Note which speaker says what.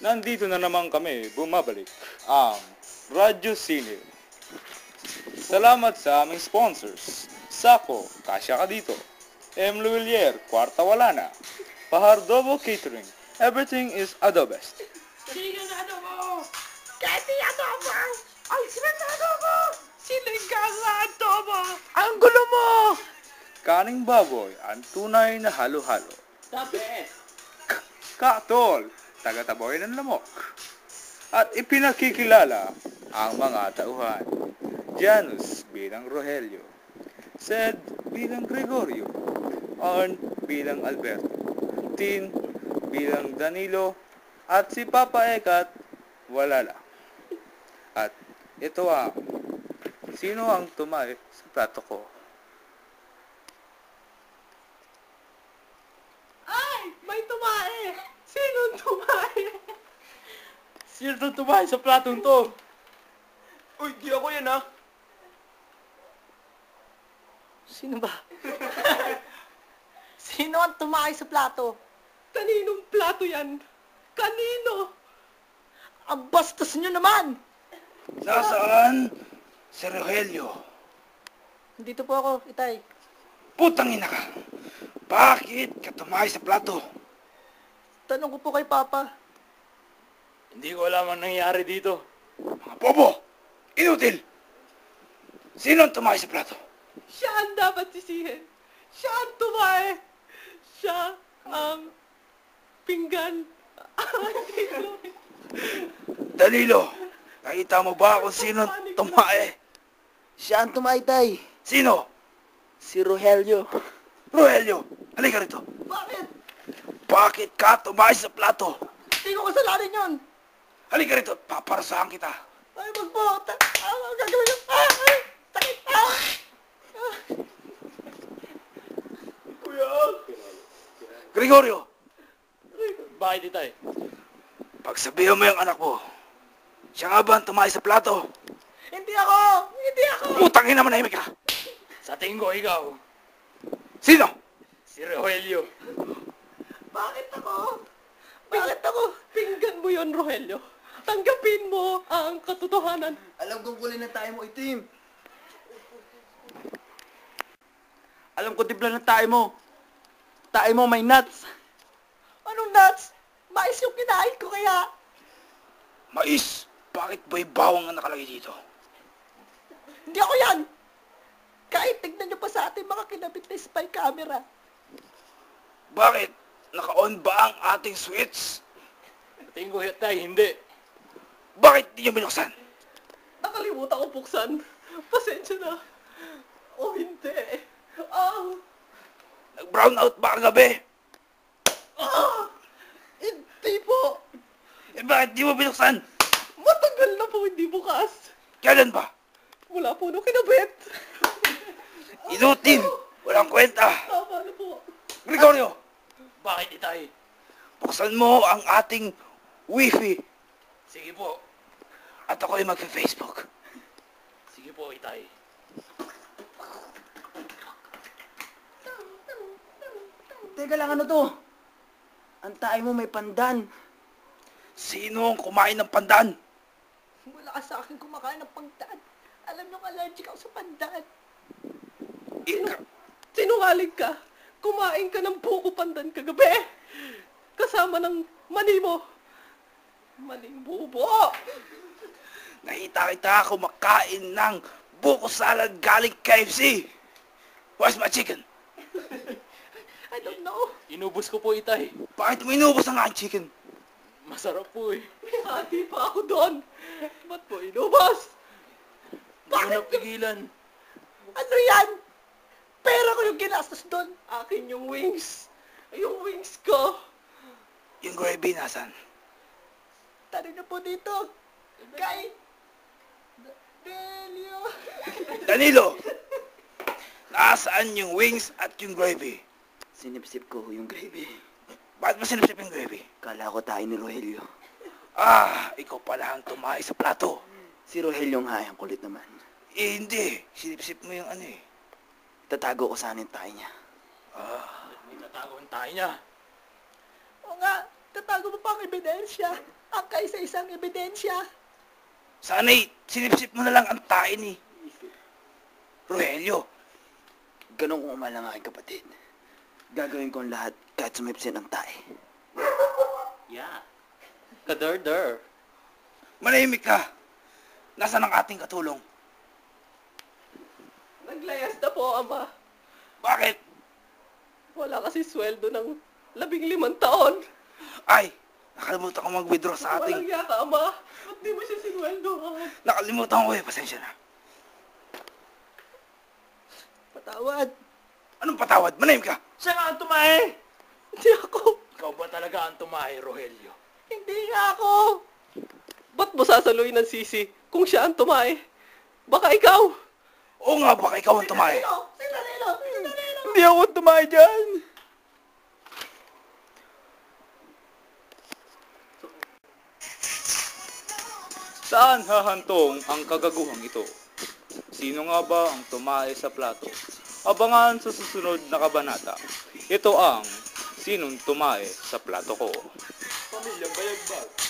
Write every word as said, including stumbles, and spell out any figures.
Speaker 1: Nandito na naman kami, bumabalik ang Radyo Sine. Salamat sa aming sponsors. Sako, kasya ka dito. M. Luwilier, kwarta wala na. Pahardobo Catering, everything is adobest.
Speaker 2: Siling ang adobo! Kati adobo! Ang siling na adobo! Siling ka sa adobo! Ang gulo mo!
Speaker 1: Kaning baboy, ang tunay na halo-halo.
Speaker 2: The best!
Speaker 1: Katol, taga-taboy ng lamok. At ipinakikilala ang mga tauhan. Janus bilang Rogelio, Sed bilang Gregorio, Arn bilang Alberto, Tin bilang Danilo, at si Papa Ekat, wala lang. At ito ang, sino ang tumay sa plato ko?
Speaker 2: Ay! May tumae! Sinong tumae? Sino tumae sa platong to? Uy, di ako yan ah! Sino ba? Sino ang tumae sa plato? Kaninong plato yan? Kanino? Ang bastos nyo naman!
Speaker 1: Nasaan si Rogelio?
Speaker 2: Dito po ako, Itay.
Speaker 1: Putang ina ka! Bakit ka tumahay sa plato?
Speaker 2: Tanong ko po kay Papa.
Speaker 3: Hindi ko alam ang nangyari dito.
Speaker 1: Mga bobo! Inutil! Sino ang tumahay sa plato?
Speaker 2: Siya ang dapat sisihin. Siya ang tumae. Siya ang pinggan.
Speaker 1: Danilo, nakita mo ba kung sino ang tumahay?
Speaker 2: Siya ang tumae, Tay.
Speaker 1: Sino?
Speaker 2: Si Rogelio.
Speaker 1: Rogelio, halika rito.
Speaker 2: Bakit?
Speaker 1: Bakit ka tumahay sa plato?
Speaker 2: Hindi ko kasalanan yun.
Speaker 1: Halika rito, paparasahan kita.
Speaker 2: Ay, wag po. Ta- ah, ang gagawin yun. Ah, ay, sakit. Ah. Ah. Kuya.
Speaker 1: Gregorio,
Speaker 3: Bakit itay?
Speaker 1: pagsabihan mo yung anak mo, siya nga ba ang tumahay sa plato?
Speaker 2: Hindi ako. Hindi ako.
Speaker 1: Putang ina, manahimik ka.
Speaker 3: Sa tingin ko ikaw,
Speaker 1: Sino?
Speaker 3: si Rogelio.
Speaker 2: Bakit ako? Bakit ako? Pinggan mo yon, Rogelio. Tanggapin mo ang katotohanan.
Speaker 4: Alam kong kulay na tayo mo, itim. Alam ko tibla na tayo mo. Tayo mo may nuts.
Speaker 2: Anong nuts? Mais yung kinain ko kaya.
Speaker 1: Mais, bakit ba'y bawang ang nakalagay dito?
Speaker 2: Hindi ako yan. Kahit tignan nyo pa sa ating mga kinabit na spy camera.
Speaker 1: Bakit? Naka-on ba ang ating switch?
Speaker 3: Sa tingin ko itay, hindi.
Speaker 1: Bakit di nyo binuksan?
Speaker 2: Nakalimutan ko buksan. Pasensya na. O hindi. Ah,
Speaker 1: Nag-brown out ba kagabi?
Speaker 2: ah, hindi po.
Speaker 1: Eh bakit di mo binuksan?
Speaker 2: Matagal na po hindi bukas.
Speaker 1: Kailan ba?
Speaker 2: Wala po nung kinabit.
Speaker 1: Inutin! Walang kwenta!
Speaker 2: Tama na po.
Speaker 1: Gregorio,
Speaker 3: Bakit itay?
Speaker 1: buksan mo ang ating wifi
Speaker 3: Sige po.
Speaker 1: at ako'y mag-Facebook.
Speaker 3: Sige po itay.
Speaker 4: Teka lang, ano to? Ang tayo mo may pandan.
Speaker 1: Sino ang kumain ng pandan?
Speaker 2: Wala ka sa akin kumakain ng pangdaan. Alam nyo, allergic ako sa pandan.
Speaker 1: Ika,
Speaker 2: Sinungaling ka. Kumain ka ng buko pandan kagabi. Kasama ng mani mo. Maning bubo.
Speaker 1: nakita kita kumakain ng buko salad galing K F C. Where's my chicken?
Speaker 2: I don't know.
Speaker 3: Inubos ko po itay.
Speaker 1: Bakit mo inubos ang aking chicken?
Speaker 3: Masarap po eh.
Speaker 2: May hati pa ako doon. Ba't mo inubos?
Speaker 3: Hindi ko
Speaker 2: Bakit?
Speaker 3: napigilan.
Speaker 2: Ano yan? Pera ko yung ginastos doon. Akin yung wings. Yung wings ko.
Speaker 1: Yung gravy nasan?
Speaker 2: Tanong na po dito. Kay... Delio.
Speaker 1: Danilo! Nasaan yung wings at yung gravy?
Speaker 4: Sinipsip ko yung gravy.
Speaker 1: Bakit mo sinipsip yung gravy?
Speaker 4: Kala ko tayo ni Rogelio.
Speaker 1: Ah, ikaw pala ang tumahay sa plato.
Speaker 4: Si Rogelio nga, ang kulit naman.
Speaker 1: Eh, hindi. Sinipsip mo yung ano eh.
Speaker 4: Tatago ko sana yung tayo niya.
Speaker 1: Ah,
Speaker 3: May tatago ang tayo niya.
Speaker 2: Oo nga, Tatago mo pa ang ebidensya. Ang kaisa-isang ebidensya.
Speaker 4: Sana'y sinipsip mo na lang ang tae ni Rogelio. Ganun kung umala ang aking kapatid. Gagawin ko ang lahat kahit sumipsin ang tae.
Speaker 3: Yeah. Kadar-dar.
Speaker 4: Manahimik ka! Nasaan ang ating katulong?
Speaker 2: Naglayas na po, Ama.
Speaker 4: Bakit?
Speaker 2: Wala kasi sweldo ng labing limang taon.
Speaker 4: Ay! Nakalimutan ko mag-withdraw sa
Speaker 2: Walang
Speaker 4: ating...
Speaker 2: yaka, Ama. Ba't di mo siya sinweldohan?
Speaker 4: Nakalimutan ko eh. Pasensya na.
Speaker 2: Patawad.
Speaker 4: Anong patawad? Manahimik ka!
Speaker 3: Siya nga ang tumae!
Speaker 2: Hindi ako.
Speaker 3: Ikaw ba talaga ang tumae, Rogelio?
Speaker 2: Hindi nga ako. Ba't mo sasaluin ng sisi kung siya ang tumae? Baka ikaw.
Speaker 4: Oo nga, baka ikaw ang tumae.
Speaker 2: Si Danilo! Si Danilo!
Speaker 4: Hindi ako tumae dyan!
Speaker 1: Saan hahantong ang kagaguhang ito? Sino nga ba ang tumae sa plato? Abangan sa susunod na kabanata. Ito ang Sinong Tumae sa Plato Ko.
Speaker 2: Pamilyang bayagbag.